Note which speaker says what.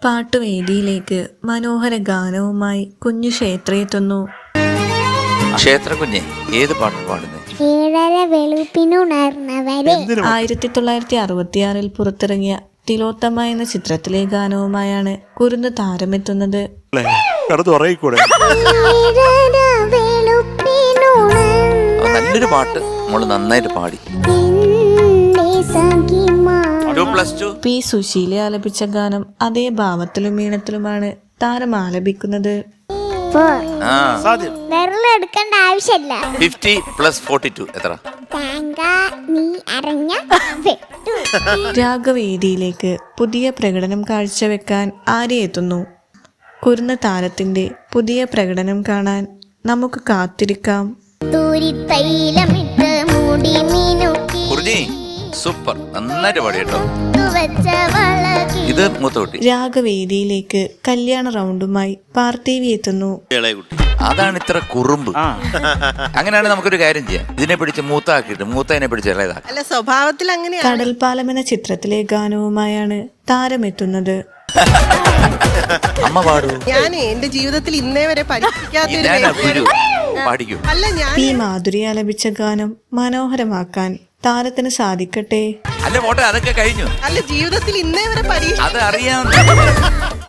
Speaker 1: പാട്ടുവേദിയിലേക്ക് മനോഹര ഗാനവുമായി കുഞ്ഞു ക്ഷേത്ര എത്തുന്നു.
Speaker 2: ക്ഷേത്ര കുഞ്ഞെ ഏത് പാട്ട് പാടുന്നേ?
Speaker 1: 1966 പുറത്തിറങ്ങിയ തിലോത്തമ എന്ന ചിത്രത്തിലെ ഗാനവുമായാണ് കുരുന്ന് താരമെത്തുന്നത്.
Speaker 2: നല്ലൊരു പാട്ട് മോള് നന്നായിട്ട് പാടി. പി
Speaker 1: സുശീല ആലപിച്ച ഗാനം അതേ ഭാവത്തിലും ഈണത്തിലുമാണ് താരം ആലപിക്കുന്നത്.
Speaker 3: എടുക്കേണ്ട ആവശ്യമില്ല.
Speaker 2: 50 + 42 എത്ര?
Speaker 1: രാഗവേദിയിലേക്ക് പുതിയ പ്രകടനം കാഴ്ചവെക്കാൻ ആര്യ എത്തുന്നു. കുരുന്ന താരത്തിന്റെ പുതിയ പ്രകടനം കാണാൻ നമുക്ക് കാത്തിരിക്കാം.
Speaker 2: സൂപ്പർ, നന്നായിട്ട് പാടി കേട്ടോ. ഇത് മൂത്തോട്ടി.
Speaker 1: രാഗവേദിയിലേക്ക് കല്യാണ റൗണ്ടുമായി പാർത്ഥിവി എത്തുന്നു.
Speaker 2: അതാണ് ഇത്ര കുറുമ്പ്. അങ്ങനെയാണ് നമുക്കൊരു കാര്യം ചെയ്യാം, ഇതിനെ പിടിച്ച് മൂത്താക്കിയിട്ട് മൂത്തതിനെ പിടിച്ച് ഇളയതാക്കി.
Speaker 4: സ്വഭാവത്തിൽ അങ്ങനെ.
Speaker 1: കടൽപ്പാലം എന്ന ചിത്രത്തിലെ ഗാനവുമായാണ് താരമെത്തുന്നത്.
Speaker 2: അമ്മ പാടൂ.
Speaker 4: ഞാൻ എന്റെ ജീവിതത്തിൽ ഇന്നേ വരെ
Speaker 1: പി മാധുരി ആലപിച്ച ഗാനം മനോഹരമാക്കാൻ താരത്തിന് സാധിക്കട്ടെ.
Speaker 2: അല്ല പോട്ടെ, അതൊക്കെ കഴിഞ്ഞു.
Speaker 4: അല്ല ജീവിതത്തിൽ ഇന്നേ വരെ
Speaker 2: അത് അറിയാം.